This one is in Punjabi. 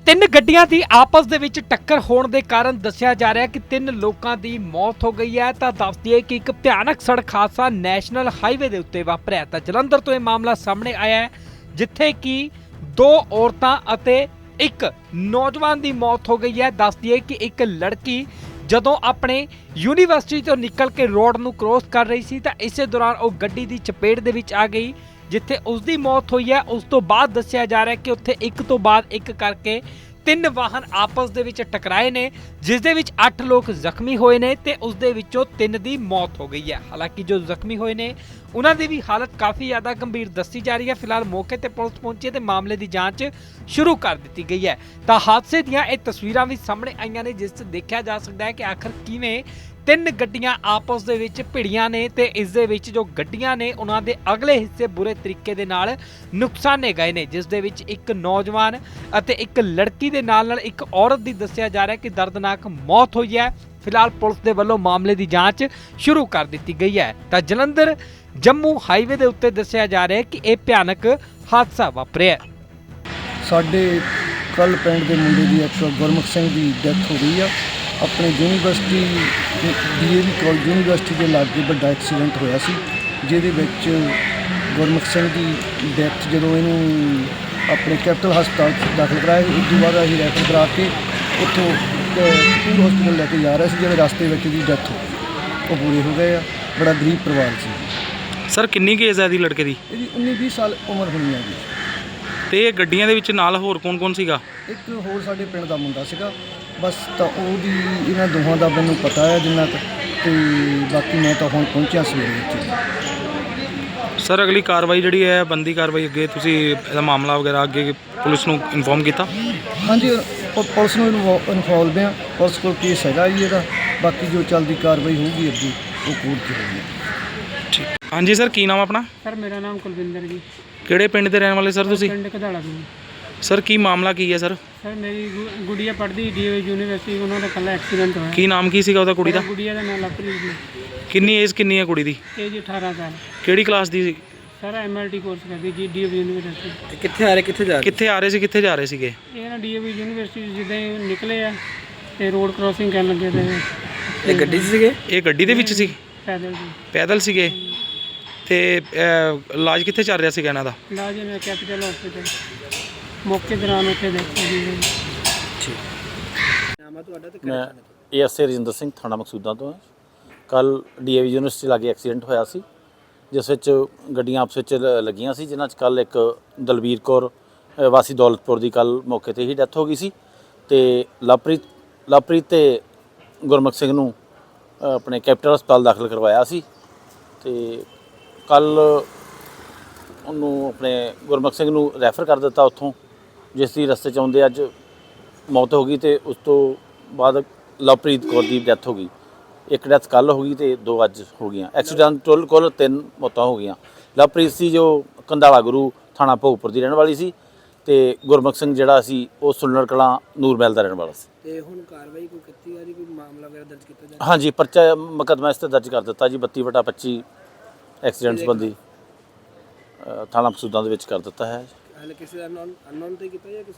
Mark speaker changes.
Speaker 1: ਤਿੰਨ ਗੱਡੀਆਂ ਦੀ ਆਪਸ ਦੇ ਵਿੱਚ ਟੱਕਰ ਹੋਣ ਦੇ ਕਾਰਨ ਦੱਸਿਆ ਜਾ ਰਿਹਾ ਕਿ ਤਿੰਨ ਲੋਕਾਂ ਦੀ ਮੌਤ ਹੋ ਗਈ ਹੈ। ਤਾਂ ਦੱਸ ਦਈਏ ਕਿ ਇੱਕ ਭਿਆਨਕ ਸੜਕ ਹਾਦਸਾ ਨੈਸ਼ਨਲ ਹਾਈਵੇ ਦੇ ਉੱਤੇ ਵਾਪਰਿਆ। ਤਾਂ ਜਲੰਧਰ ਤੋਂ ਇਹ ਮਾਮਲਾ ਸਾਹਮਣੇ ਆਇਆ ਹੈ, ਜਿੱਥੇ ਕਿ ਦੋ ਔਰਤਾਂ ਅਤੇ ਇੱਕ ਨੌਜਵਾਨ ਦੀ ਮੌਤ ਹੋ ਗਈ ਹੈ। ਦੱਸ ਦਈਏ ਕਿ ਇੱਕ ਲੜਕੀ ਜਦੋਂ ਆਪਣੇ ਯੂਨੀਵਰਸਿਟੀ ਤੋਂ ਨਿਕਲ ਕੇ ਰੋਡ ਨੂੰ ਕ੍ਰੋਸ ਕਰ ਰਹੀ ਸੀ ਤਾਂ ਇਸੇ ਦੌਰਾਨ ਉਹ ਗੱਡੀ ਦੀ ਚਪੇਟ ਦੇ ਵਿੱਚ ਆ ਗਈ, ਜਿੱਥੇ ਉਸ ਦੀ ਮੌਤ ਹੋਈ ਹੈ। ਉਸ ਤੋਂ ਬਾਅਦ ਦੱਸਿਆ ਜਾ ਰਿਹਾ ਕਿ ਉੱਥੇ ਇੱਕ ਤੋਂ ਬਾਅਦ ਇੱਕ ਕਰਕੇ ਤਿੰਨ ਵਾਹਨ ਆਪਸ ਦੇ ਵਿੱਚ ਟਕਰਾਏ ਨੇ, ਜਿਸ ਦੇ ਵਿੱਚ 8 ਲੋਕ ਜ਼ਖਮੀ ਹੋਏ ਨੇ ਤੇ ਉਸ ਦੇ ਵਿੱਚੋਂ 3 ਦੀ ਮੌਤ ਹੋ ਗਈ ਹੈ। ਹਾਲਾਂਕਿ ਜੋ ਜ਼ਖਮੀ ਹੋਏ ਨੇ ਉਹਨਾਂ ਦੀ ਵੀ ਹਾਲਤ ਕਾਫੀ ਜ਼ਿਆਦਾ ਗੰਭੀਰ ਦੱਸੀ ਜਾ ਰਹੀ ਹੈ। ਫਿਲਹਾਲ ਮੌਕੇ ਤੇ ਪੁਲਿਸ ਪਹੁੰਚੀ ਤੇ ਮਾਮਲੇ ਦੀ ਜਾਂਚ ਸ਼ੁਰੂ ਕਰ ਦਿੱਤੀ ਗਈ ਹੈ। ਤਾਂ ਹਾਦਸੇ ਦੀਆਂ ਇਹ ਤਸਵੀਰਾਂ ਵੀ ਸਾਹਮਣੇ ਆਈਆਂ ਨੇ, ਜਿਸ 'ਚ ਦੇਖਿਆ ਜਾ ਸਕਦਾ ਹੈ ਕਿ ਆਖਰ ਕਿਵੇਂ ਤਿੰਨ ਗੱਡੀਆਂ ਆਪਸ ਦੇ ਵਿੱਚ ਭਿੜੀਆਂ ਨੇ ਤੇ ਇਸ ਦੇ ਵਿੱਚ ਜੋ ਗੱਡੀਆਂ ਨੇ ਉਹਨਾਂ ਦੇ ਅਗਲੇ ਹਿੱਸੇ ਬੁਰੇ ਤਰੀਕੇ ਦੇ ਨਾਲ ਨੁਕਸਾਨੇ ਗਏ ਨੇ, ਜਿਸ ਦੇ ਵਿੱਚ ਇੱਕ ਨੌਜਵਾਨ ਅਤੇ ਇੱਕ ਲੜਕੀ ਦੇ ਨਾਲ ਇੱਕ ਔਰਤ ਦੀ ਦੱਸਿਆ ਜਾ ਰਿਹਾ ਕਿ ਦਰਦਨਾਕ ਮੌਤ ਹੋਈ ਹੈ। ਫਿਲਹਾਲ ਪੁਲਿਸ ਦੇ ਵੱਲੋਂ ਮਾਮਲੇ ਦੀ ਜਾਂਚ ਸ਼ੁਰੂ ਕਰ ਦਿੱਤੀ ਗਈ ਹੈ। ਤਾਂ ਜਲੰਧਰ ਜੰਮੂ ਹਾਈਵੇ ਦੇ ਉੱਤੇ ਦੱਸਿਆ ਜਾ ਰਿਹਾ ਹੈ ਕਿ ਇਹ ਭਿਆਨਕ ਹਾਦਸਾ ਵਾਪਰਿਆ।
Speaker 2: ਸਾਡੇ ਕੱਲ ਪਿੰਡ ਦੇ ਮੁੰਡੇ ਦੀ ਗੁਰਮੁਖ ਸਿੰਘ ਦੀ ਡੈਥ ਹੋ ਗਈ ਆ। ਆਪਣੇ ਯੂਨੀਵਰਸਿਟੀ ਡੀਏਵੀ ਕਾਲਜ ਯੂਨੀਵਰਸਿਟੀ ਦੇ ਲਾਗੇ ਵੱਡਾ ਐਕਸੀਡੈਂਟ ਹੋਇਆ ਸੀ, ਜਿਹਦੇ ਵਿੱਚ ਗੁਰਮੁਖ ਸਿੰਘ ਦੀ ਡੈਥ ਜਦੋਂ ਇਹਨੂੰ ਆਪਣੇ ਕੈਪੀਟਲ ਹਸਪਤਾਲ ਦਾਖਲ ਕਰਾਇਆ, ਉਸ ਤੋਂ ਬਾਅਦ ਅਸੀਂ ਰੈਫਰ ਕਰਾ ਕੇ ਉੱਥੋਂ ਕਪੂਰ ਹਸਪਤਾਲ ਲੈ ਕੇ ਜਾ ਰਹੇ ਸੀ। ਜਿਹੜੇ ਰਸਤੇ ਵਿੱਚ ਦੀ ਡੈਥ ਉਹ ਪੂਰੇ ਹੋ ਗਏ ਆ। ਬੜਾ ਗਰੀਬ ਪਰਿਵਾਰ ਸੀ।
Speaker 3: ਸਰ ਕਿੰਨੀ ਕੁ ਏਜ ਹੈ ਇਹਦੀ ਲੜਕੇ ਦੀ?
Speaker 2: ਇਹਦੀ 19-20 ਸਾਲ ਉਮਰ ਹੋਣੀ ਆ ਜੀ।
Speaker 3: ਤੇ ਇਹ ਗੱਡੀਆਂ ਦੇ ਵਿੱਚ ਨਾਲ ਹੋਰ ਕੌਣ ਸੀਗਾ?
Speaker 2: ਇੱਕ ਹੋਰ ਸਾਡੇ ਪਿੰਡ ਦਾ ਮੁੰਡਾ ਸੀਗਾ ਬਸ। ਤਾਂ ਉਹਦੀ ਇਹਨਾਂ ਦੋਹਾਂ ਦਾ ਮੈਨੂੰ ਪਤਾ ਹੈ ਜਿੰਨਾ ਕੁ, ਤੇ ਬਾਕੀ ਮੈਂ ਤਾਂ ਹੁਣ ਪਹੁੰਚਿਆ ਸਵੇਰੇ ਵਿੱਚ।
Speaker 3: ਸਰ ਅਗਲੀ ਕਾਰਵਾਈ ਜਿਹੜੀ ਹੈ ਬੰਦੀ ਕਾਰਵਾਈ ਅੱਗੇ ਤੁਸੀਂ ਇਹਦਾ ਮਾਮਲਾ ਵਗੈਰਾ ਅੱਗੇ ਪੁਲਿਸ ਨੂੰ ਇਨਫੋਰਮ ਕੀਤਾ?
Speaker 2: ਹਾਂਜੀ ਪੁਲਿਸ ਨੂੰ ਇਨਫੋਲਵ ਆ। ਪੁਲਿਸ ਕੋਲ ਕੇਸ ਹੈਗਾ ਜੀ ਇਹਦਾ। ਬਾਕੀ ਜੋ ਚੱਲਦੀ ਕਾਰਵਾਈ ਹੋਊਗੀ ਅੱਗੇ ਉਹ ਕੋਰਟ 'ਚ ਹੋਊਗੀ।
Speaker 3: ਠੀਕ। ਹਾਂਜੀ ਸਰ, ਕੀ ਨਾਮ ਆਪਣਾ?
Speaker 4: ਸਰ ਮੇਰਾ ਨਾਮ ਕੁਲਵਿੰਦਰ ਜੀ।
Speaker 3: ਕਿਹੜੇ ਪਿੰਡ ਦੇ ਰਹਿਣ ਵਾਲੇ ਸਰ ਤੁਸੀਂ?
Speaker 4: ਪਿੰਡ ਕਧਾਲਾ ਤੋਂ।
Speaker 3: ਸਰ ਕੀ ਮਾਮਲਾ ਕੀ ਹੈ ਸਰ?
Speaker 4: ਸਰ ਮੇਰੀ ਗੁੜੀਆ ਪੜ੍ਹਦੀ ਡੀਏਵੀ ਯੂਨੀਵਰਸਿਟੀ, ਉਹਨਾਂ ਦਾ ਕੱਲ੍ਹ ਐਕਸੀਡੈਂਟ ਹੋਇਆ।
Speaker 3: ਕੀ ਨਾਮ ਕੀ ਸੀਗਾ ਉਹਦਾ ਕੁੜੀ ਦਾ?
Speaker 4: ਗੁੜੀਆ ਦਾ ਨਾਮ ਲਵਪ੍ਰੀਤ ਜੀ।
Speaker 3: ਕਿੰਨੀ ਏਜ ਕਿੰਨੀ ਹੈ ਕੁੜੀ ਦੀ?
Speaker 4: ਏਜ 18 ਸਾਲ।
Speaker 3: ਕਿਹੜੀ ਕਲਾਸ ਦੀ ਸੀ?
Speaker 4: ਸਰ ਐਮਐਲਟੀ ਕੋਰਸ ਕਰਦੀ ਜੀ ਡੀਏਵੀ ਯੂਨੀਵਰਸਿਟੀ।
Speaker 3: ਕਿੱਥੇ ਆ ਰਹੇ ਕਿੱਥੇ ਜਾ ਰਹੇ ਸੀ? ਕਿੱਥੇ ਜਾ ਰਹੇ ਸੀਗੇ
Speaker 4: ਇਹ ਨਾ ਡੀਏਵੀ ਯੂਨੀਵਰਸਿਟੀ ਜਿੱਦਾਂ ਹੀ ਨਿਕਲੇ ਆ ਤੇ ਰੋਡ ਕ੍ਰੋਸਿੰਗ ਕਰਨ ਲੱਗੇ ਤੇ
Speaker 3: ਇਹ ਗੱਡੀ 'ਚ ਸੀਗੇ? ਇਹ ਗੱਡੀ ਦੇ ਵਿੱਚ ਸੀ?
Speaker 4: ਪੈਦਲ ਜੀ।
Speaker 3: ਪੈਦਲ ਸੀਗੇ। ਤੇ ਇਲਾਜ ਕਿੱਥੇ ਚੱਲ ਰਿਹਾ ਸੀਗਾ ਇਹਨਾਂ ਦਾ?
Speaker 4: ਇਲਾਜ ਮੈਂ ਕੈਪੀਟਲ ਹਸਪੀਟਲ ਮੌਕੇ ਦੌਰਾਨ ਉੱਥੇ ਦੇਖਿਆ ਜੀ।
Speaker 5: ਮੈਂ ਏਐਸਏ ਰਜਿੰਦਰ ਸਿੰਘ, ਥਾਣਾ ਮਕਸੂਦਾਂ ਤੋਂ। ਕੱਲ ਡੀਏਵੀ ਯੂਨੀਵਰਸਿਟੀ ਲਾਗੇ ਐਕਸੀਡੈਂਟ ਹੋਇਆ ਸੀ, ਜਿਸ ਵਿੱਚ ਗੱਡੀਆਂ ਆਪਸ ਵਿੱਚ ਲੱਗੀਆਂ ਸੀ, ਜਿਨ੍ਹਾਂ 'ਚ ਕੱਲ ਇੱਕ ਦਲਬੀਰ ਕੌਰ ਵਾਸੀ ਦੌਲਤਪੁਰ ਦੀ ਕੱਲ ਮੌਕੇ 'ਤੇ ਹੀ ਡੈਥ ਹੋ ਗਈ ਸੀ। ਤੇ ਲਵਪ੍ਰੀਤ ਤੇ ਗੁਰਮੁਖ ਸਿੰਘ ਨੂੰ ਆਪਣੇ ਕੈਪੀਟਲ ਹਸਪਤਾਲ ਦਾਖਲ ਕਰਵਾਇਆ ਸੀ। ਤੇ ਕੱਲ ਉਹਨੂੰ ਆਪਣੇ ਗੁਰਮੁਖ ਸਿੰਘ ਨੂੰ ਰੈਫਰ ਕਰ ਦਿੱਤਾ ਉੱਥੋਂ, ਜਿਸ ਦੀ ਰਸਤੇ 'ਚ ਆਉਂਦੇ ਅੱਜ ਮੌਤ ਹੋ ਗਈ। ਤੇ ਉਸ ਤੋਂ ਬਾਅਦ ਲਵਪ੍ਰੀਤ ਕੌਰ ਦੀ ਡੈਥ ਹੋ ਗਈ। ਇੱਕ ਡੈਥ ਕੱਲ ਹੋ ਗਈ ਤੇ 2 ਅੱਜ ਹੋ ਗਈਆਂ। ਐਕਸੀਡੈਂਟ ਕੁੱਲ 3 ਮੌਤਾਂ ਹੋ ਗਈਆਂ। ਲਵਪ੍ਰੀਤ ਸੀ ਜੋ ਕੰਧਾਲਾ ਗੁਰੂ ਥਾਣਾ ਭੋਗਪੁਰ ਦੀ ਰਹਿਣ ਵਾਲੀ ਸੀ, ਤੇ ਗੁਰਮੁਖ ਸਿੰਘ ਜਿਹੜਾ ਸੀ ਉਹ ਸੁਲਨਰ ਕਲਾਂ ਨੂਰਮਹਿਲ ਦਾ ਰਹਿਣ ਵਾਲਾ ਸੀ।
Speaker 6: ਤੇ ਹੁਣ ਕਾਰਵਾਈ ਕੋਈ ਕੀਤੀ ਜਾ ਰਹੀ, ਕੋਈ ਮਾਮਲਾ ਵਗੈਰਾ ਦਰਜ ਕੀਤਾ ਜਾ ਰਿਹਾ?
Speaker 5: ਹਾਂਜੀ, ਪਰਚਾ ਮੁਕੱਦਮਾ ਇਸ 'ਤੇ ਦਰਜ ਕਰ ਦਿੱਤਾ ਜੀ। 32/25 ਐਕਸੀਡੈਂਟ ਸੰਬੰਧੀ ਥਾਣਾ ਮਕਸੂਦਾਂ ਦੇ ਵਿੱਚ ਕਰ ਦਿੱਤਾ ਹੈ।
Speaker 6: ਹਾਲੇ ਕਿਸੇ ਅਨਨੋਨ ਤੇ ਕੀਤਾ ਜਾਂ ਕਿਸੇ